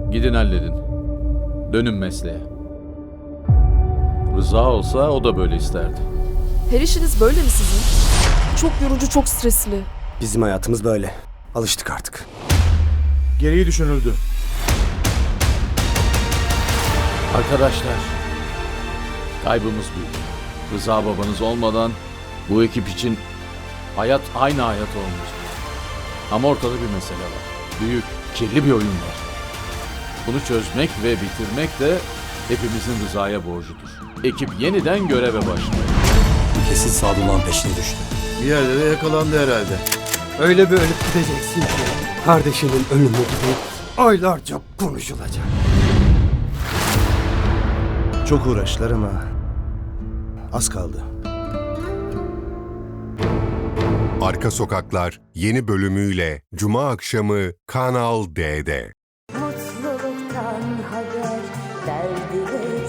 Gidin halledin. Dönün mesleğe. Rıza olsa o da böyle isterdi. Her işiniz böyle mi sizin? Çok yorucu, çok stresli. Bizim hayatımız böyle. Alıştık artık. Gereği düşünüldü. Arkadaşlar, kaybımız büyük. Rıza babanız olmadan bu ekip için hayat aynı hayat olmayacak. Ama ortada bir mesele var. Büyük, kirli bir oyun var. Bunu çözmek ve bitirmek de hepimizin Rıza'ya borcudur. Ekip yeniden göreve başlıyor. Kesin Sadullah'ın peşine düştü. Bir yerde de yakalandı herhalde. Öyle bir ölüp gideceksin ki kardeşinin ölümü gibi aylarca konuşulacak. Çok uğraştılar ama az kaldı. Arka Sokaklar yeni bölümüyle Cuma akşamı Kanal D'de. Mutluluktan haber, derdi ve